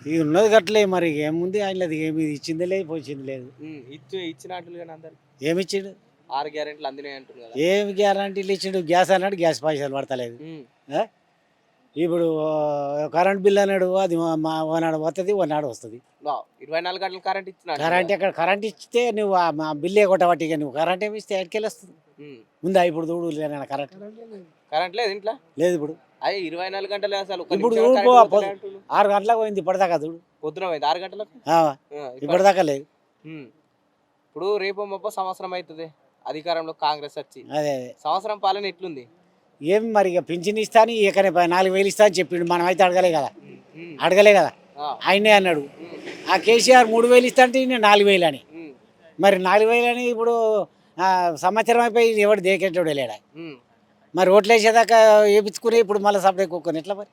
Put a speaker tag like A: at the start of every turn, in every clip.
A: ఇది ఉన్నది గట్లే మరి ఏముంది ఆయనది ఏమి ఇచ్చింది లేదు పోయింది లేదు.
B: ఇచ్చినట్లు కానీ అందరు
A: ఏమి ఇచ్చిండు
B: 6 గ్యారెంటీలు అందినాయి అంటున్నారు కదా.
A: ఏమి గ్యారంటీలు ఇచ్చిండు గ్యాస్ అన్నాడు గ్యాస్ పైసలు పడతలేదు. ఆ? ఇప్పుడు కరెంట్ బిల్ అన్నాడు అది ఓనాడు వస్తుంది ఓనాడు వస్తుంది.
B: 24 గంటలు కరెంట్ ఇచ్చిన
A: కరెంట్ ఎక్కడ కరెంట్ ఇస్తే నువ్వు మా బిల్లు కొట్టబట్టి నువ్వు కరెంట్ ఏమి ఇస్తే ఎక్కడికి వస్తుంది ఉందా ఇప్పుడు చూడు లేనా కరెంట్
B: కరెంట్ లేదు ఇంట్లో
A: లేదు ఇప్పుడు
B: అదే 24 గంటలే అసలు
A: ఇప్పుడు 6 గంటలకు పోయింది ఇప్పటిదాకా చూడు
B: పొద్దున పోయింది 6 గంటలకు
A: ఇప్పటిదాకా లేదు.
B: ఇప్పుడు రేపు మొప్ప సంవత్సరం అవుతుంది అధికారంలో కాంగ్రెస్ వచ్చి.
A: అదే
B: సంవత్సరం పాలన ఎట్లుంది
A: ఏం మరి ఇక పింఛన్ ఇస్తా అని ఇకనే 4,000 ఇస్తా అని చెప్పిండు. మనం అయితే అడగలే కదా ఆయనే అన్నాడు. ఆ కేసీఆర్ 3,000 ఇస్తా అంటే 4,000 అని మరి 4,000 అని ఇప్పుడు సంవత్సరం అయిపోయి ఎవడు దేకేటోడు లేడా మరి ఓట్లు వేసేదాకా వేయించుకుని ఇప్పుడు మళ్ళీ సపరేట్ కుక్కని ఎట్లా మరి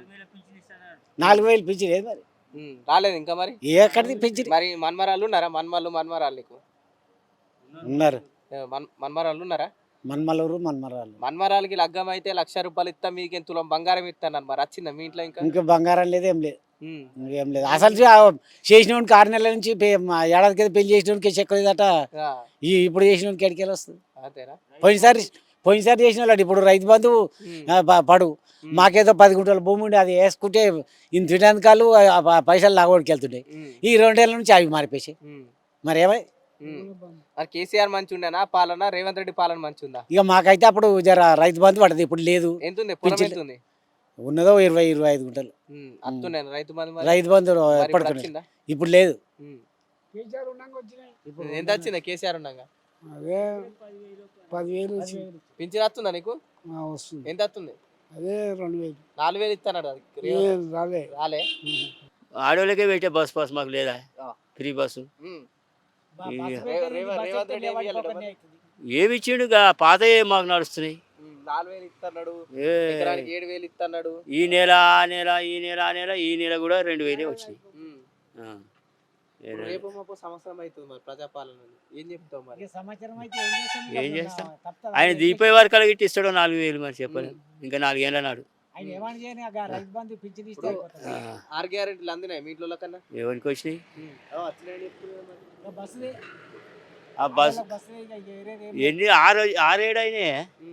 A: 4,000 పింఛన్ లేదు మరి
B: రాలేదు ఇంకా మరి
A: ఎక్కడిది పింఛన్.
B: మరి మన్మరాళ్ళు ఉన్నారా మన్మరాళ్ళు నీకు
A: ఉన్నారు
B: మన్మరాళ్ళు ఉన్నారా
A: మన్మలూరు మన్మరాళ్ళు
B: మన్మరాలకి లగ్గం అయితే 1,00,000 రూపాయలు ఇస్తా మీకు తులం బంగారం ఇస్తాను మరి వచ్చిందా మీ ఇంట్లో
A: ఇంకా బంగారం లేదు ఏం లేదు ఇంకేం లేదు. అసలు చేసినోడికి 6 నెలల నుంచి ఏడాది కింద పెళ్లి చేసినోడికి చెక్కలేదట ఇప్పుడు చేసినోడికి ఎడికెళ్ళి వస్తుంది. పోయినసారి చేసిన వాళ్ళు ఇప్పుడు రైతు బంధు పడు మాకేదో 10 గుంటల భూమి ఉండి అది వేసుకుంటే ఇంత తినేందుకాలు పైసలు లాగోడికి వెళ్తుంటాయి. ఈ 2 ఏళ్ళ నుంచి అవి మారిపోయి మరి ఏమై
B: కేసీఆర్ మంచి ఉండేనా పాలన రేవంత్ రెడ్డి పాలన మంచి ఉందా?
A: ఇక మాకైతే అప్పుడు జర రైతు బంధు పడదు ఇప్పుడు లేదు. ఉన్నదో 20-25 గుంటలు రైతు బంధు ఎప్పటికి ఇప్పుడు లేదు.
B: ఎంత వచ్చిందా కేసీఆర్ ఉన్నాగా?
A: 10,000
B: పింఛన్ వస్తుందా నీకు? ఎంత వస్తుంది?
A: అదే 2,000
B: 4,000 ఇస్తాడు రాలే.
C: ఆడోళ్ళకే పెట్టే బస్ పాస్ మాకు లేదా ఫ్రీ బస్సు ఏమి ఇచ్చిండు పాత మాకు నడుస్తున్నాయి.
B: 4,000 ఇస్తున్నాడు 7,000 ఇస్తున్నాడు
C: ఈ నెల ఆ నెల ఈ నెల ఆ నెల ఈ నెల కూడా 2,000 వచ్చినాయి.
B: రేపు సంవత్సరం అవుతుంది మరి ప్రజాపాలన ఏం చెప్తావు మరి?
C: ఏం చేస్తాం ఆయన దీపే వరకు అలా ఇట్టి ఇస్తాడో 4,000 మరి చెప్పలేదు ఇంకా 4 ఏళ్ళ నాడు
B: 6 గ్యారెంటీలు అందినాయి మీ ఇంట్లో కన్నా
C: ఎవరికి వచ్చినాయి ఆ బస్ ఎన్ని 6-7 అయినాయి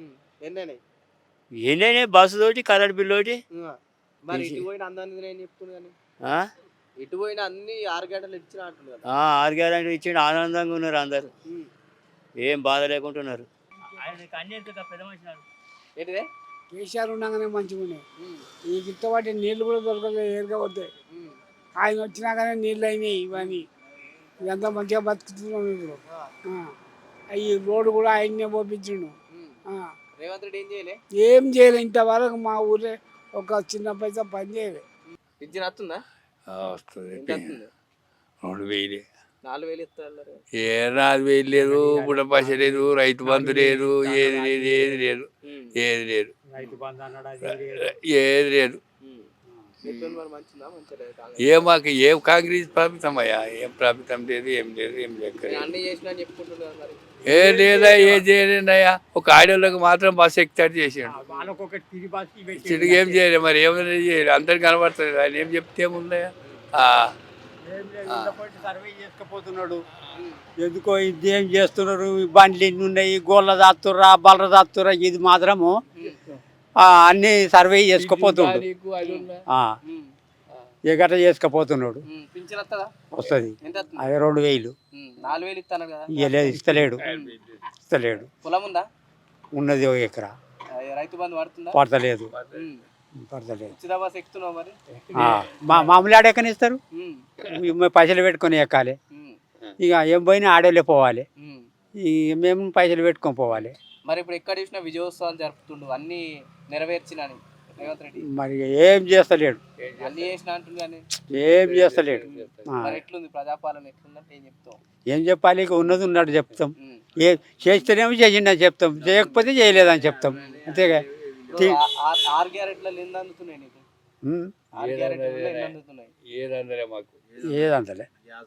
C: ఎన్నైనా బస్సు తోటి కరెంట్ బిల్లు ఒకటి
B: మరి ఇటు పోయిన అందరినీ చెప్తున్నాను ఇటు పోయిన అన్ని 6 గంటలు ఇచ్చిన అంటున్నారు.
C: 6 గంటలు ఇచ్చి ఆనందంగా ఉన్నారు అందరు ఏం బాధ లేకుంటున్నారు.
B: ఏంటిదే
A: కేసీఆర్ ఉండగానే మంచిగా ఉన్నాయి. ఈ గిట్టబాటి నీళ్ళు కూడా దొరకలేదు ఏరుగా పోతాయి. ఆయన వచ్చినాకనే నీళ్ళు అయినాయి ఇవన్నీ ఇదంతా మంచిగా బతుకుతున్నాం ఇప్పుడు. ఈ రోడ్డు కూడా ఆయన్నే పోపించిండు.
B: రేవంత్ రెడ్డి
A: ఏం చేయలే ఇంతవరకు మా ఊరే ఒక చిన్న పైసా పని చేయలే.
B: పింఛన్ వస్తుందా?
D: వస్తుంది 2,000
B: 4,000 ఇస్తారు.
D: 4,000 లేదు బుడ్డ పైస లేదు రైతు బంధు లేదు ఏది లేదు ఏది లేదు ఏది లేదు ఏది లేదు. మాకు ఏం కాంగ్రెస్ ప్రభుత్వం అయ్యా ఏం ప్రభుత్వం లేదు ఏం లేదు ఏం లేదు ఏ లేదా ఏ చేయలేదయ్యా. ఒక ఆడోళ్ళకి మాత్రం బస్సు ఎక్కితాడు చేసాడు చిడికి ఏం చేయలేదు మరి ఏమైనా చేయలేదు అందరికి కనబడుతుంది ఆయన ఏం చెప్తే ఏముందయ్యా.
E: సర్వే చేసుకుపోతున్నాడు ఎందుకో ఇదేం చేస్తున్నారు బండ్లు ఎన్ని ఉన్నాయి గోళ్ళ దాస్తుర్రా బలర దాస్తుర్రా ఇది మాత్రము అన్ని సర్వే చేసుకుపోతున్నాడు ఏ గట్ట చేసుకుపోతున్నాడు వస్తుంది అదే 2,000 ఇవ్వలేదు ఇస్తలేడు ఉన్నది 1 ఎకరా పడతలేదు మామూలు ఆడెక్కని ఇస్తారు పైసలు పెట్టుకొని ఎక్కాలి ఇక ఏం పోయినా ఆడోళ్ళే పోవాలి మేము పైసలు పెట్టుకొని పోవాలి.
B: మరి ఇప్పుడు ఎక్కడ చూసినా విజయోత్సవాలు జరుపుతుండు అన్ని నెరవేర్చిన రేవంత్ రెడ్డి
E: మరి ఏం చేస్తలేడు
B: అన్ని చేసిన అంటున్నాను
E: ఏం చేస్తలేడు.
B: ఎట్లుంది ప్రజాపాలన ఎట్లుందంటే ఏం చెప్తాం
E: ఏం చెప్పాలి ఇక ఉన్నది ఉన్నాడు చెప్తాం ఏ చేస్తేనేమో చేసిండని చెప్తాం చేయకపోతే చేయలేదని చెప్తాం అంతేగా.
B: 6 గ్యారెంటీలు ఎన్ని అందుతున్నాయి నీకు? 6 గ్యారెంటీలు ఎన్ని అందుతున్నాయి?
E: ఏదంతలే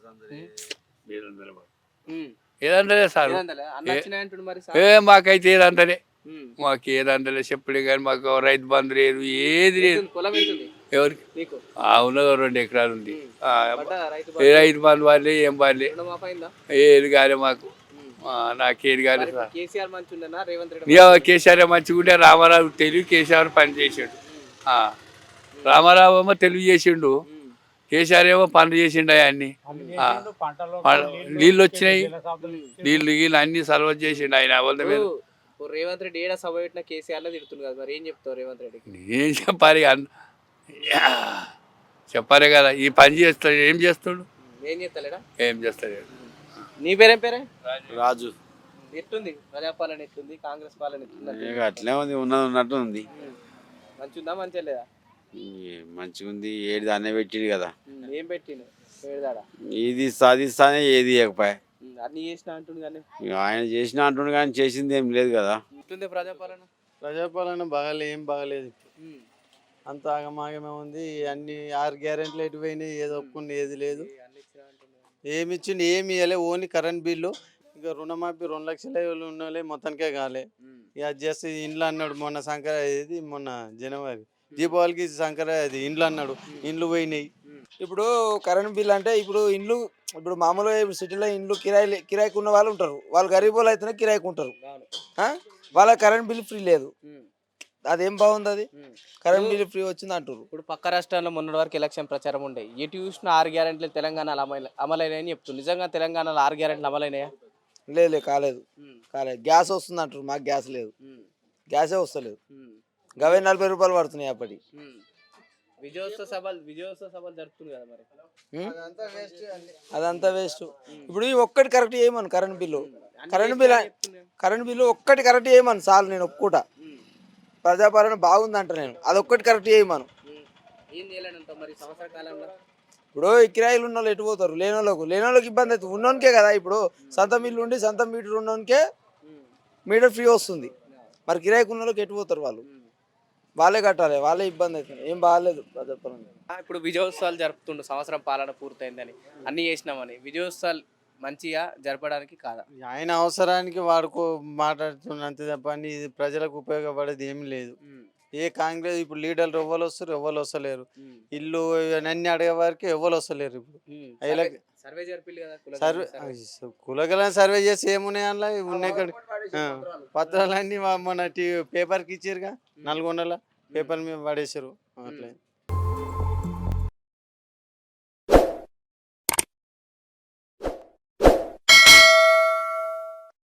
D: ఏదంటలే సార్ మాకైతే ఏదంటలే మాకు ఏదంటలే చెప్పుడే కానీ మాకు రైతు బంధు లేదు ఏది లేదు.
B: పొలం
D: ఎవరికి
B: నీకు
D: ఉన్నదో 2 ఎకరాలు ఉంది.
B: పడ్డా రైతు
D: ఏ రైతు బంధు వాళ్ళే ఏం వాళ్ళే
B: రుణమాఫీ అయిందా?
D: ఏది కాలే మాకు. నాకేది కాలే
B: మరి
D: సార్.
B: కేసీఆర్ మంచి ఉండనా రేవంత్ రెడ్డి
D: ఇక కేసీఆర్ మంచిగా ఉంటే రామారావు తెలివి కేసీఆర్ పని చేసిండు. రామారావు ఏమో తెలివి చేసిండు, కేసీఆర్ ఏమో పనులు చేసిండు. అన్ని నీళ్ళు వచ్చినాయి, నీళ్ళు గీళ్ళు అన్ని సర్వ చేసిండు ఆయన. వాళ్ళ మీద
B: ఇప్పుడు రేవంత్ రెడ్డి ఏడా సభ పెట్టినా కేసీఆర్ లో తిడుతుంది కదా, మరి ఏం చెప్తావు రేవంత్ రెడ్డికి?
D: ఏం చెప్పాలి చెప్పాలి కదా. ఈ పని చేస్తాడు, ఏం చేస్తాడు?
B: ఏం చేస్తలేడా?
D: ఏం చేస్తాడు?
B: నీ పేరేం పేరే?
F: రాజు.
B: ఎట్లుంది ప్రజాపాలన, ఎట్లుంది కాంగ్రెస్ పాలన, ఎట్లుంది?
F: అట్లే ఉంది, ఉన్నది ఉన్నట్టు ఉంది.
B: మంచిగా మంచిగా లేదా?
F: మంచిగా ఉంది. ఏది దాన్నే పెట్టిండు కదా.
B: ఏం పెట్టిండు ఏడాడా?
F: ఇది సాధిస్తానే ఏది ఇవ్వకపోయా.
B: అన్ని చేసిన అంటుంది కానీ
F: ఆయన చేసిన అంటుండు కానీ చేసింది ఏం లేదు కదా.
B: ఎట్లుంది ప్రజాపాలన?
G: ప్రజాపాలన ఏం బాగలేదు. అంత ఆగమాగమే ఉంది. అన్ని 6 గ్యారెంటీలు ఎటు పోయినాయి, ఏదో ఒప్పుకుంది ఏది లేదు. ఏమి ఇచ్చిండు ఏమి ఇవ్వలే. Only current bill. ఇక రుణమాఫీ 2 లక్షల ఉన్నోళ్ళే మొత్తానికే కాలే. ఇక అది చేస్తే ఇండ్లు అన్నాడు మొన్న సంక్రాంతి, మొన్న జనవరి దీపావళికి సంక్రాంతి ఇండ్లు అన్నాడు, ఇండ్లు పోయినాయి.
H: ఇప్పుడు కరెంట్ బిల్ అంటే ఇప్పుడు మామూలుగా ఇప్పుడు సిటీలో ఇండ్లు కిరాయికి ఉన్న వాళ్ళు ఉంటారు. వాళ్ళు గరీబ్ వాళ్ళు అయితేనే కిరాయికి ఉంటారు. వాళ్ళ కరెంట్ బిల్ ఫ్రీ లేదు. అదేం బాగుంది? అది కరెంట్ బిల్ ఫ్రీ వచ్చింది అంటారు.
B: ఇప్పుడు పక్క రాష్ట్రాల్లో మొన్నటి వరకు ఎలక్షన్ ప్రచారం ఉండే, ఎటు చూసిన 6 గ్యారెంటీలు తెలంగాణలో అమలైనాయని చెప్తుంది. నిజంగా తెలంగాణలో 6 గ్యారెంటీలు అమలైనాయా?
H: లేదు, కాలేదు. గ్యాస్ వస్తుంది అంటారు, మాకు గ్యాస్ లేదు. గ్యాసే వస్తలేదు. గవే 40 రూపాయలు పడుతున్నాయి అప్పటి.
B: విజయోత్సవ సభలు జరుపుతుంది కదా, మరి
H: అదంతా వేస్ట్. ఇప్పుడు ఒక్కటి కరెక్ట్ చేయమను కరెంట్ బిల్లు ఒక్కటి కరెక్ట్ చేయమను చాలు. నేను ఒప్పుకుంటా, ప్రజాపాలన బాగుంది అంట. నేను అదొక్కటి కరెక్ట్ చేయమను.
B: ఏం చేయాలంటావు మరి సంవత్సర కాలంలో?
H: ఇప్పుడు ఈ కిరాయిలు ఉన్న వాళ్ళు ఎటు పోతారు? లేనోళ్ళకి ఇబ్బంది అవుతుంది. ఉన్నోనికే కదా. ఇప్పుడు సొంత ఇల్లు ఉండి సొంత మీటర్ ఉన్నోనికే మీటర్ ఫ్రీ వస్తుంది. మరి కిరాయికి ఉన్న వాళ్ళకి ఎటు పోతారు? వాళ్ళే కట్టాలి, వాళ్ళే ఇబ్బంది అవుతుంది. ఏం బాగాలేదు ప్రజాపాలన.
B: ఇప్పుడు విజయోత్సవాలు జరుపుతుండు, సంవత్సరం పాలన పూర్తయిందని అన్ని చేసినామని. విజయోత్సవాలు మంచిగా జరపడానికి కాదా?
G: ఆయన అవసరానికి మాట్లాడుతున్నా అంతే తప్ప ఇది ప్రజలకు ఉపయోగపడేది ఏమి లేదు. ఏ కాంగ్రెస్ ఇప్పుడు లీడర్లు ఎవ్వరు వస్తారు, ఎవ్వరు వస్తలేరు. ఇల్లు అన్ని అడిగే వారికి ఎవ్వరు వస్తలేరు. ఇప్పుడు
B: సర్వే జరిపిల్లు కదా,
G: సర్వే కులగలను సర్వే చేసి ఏమున్నాయి అందులో ఉన్నాయి పత్రాలన్నీ మన పేపర్కి ఇచ్చారుగా, 400 పేపర్ మీద పడేసారు. అట్లా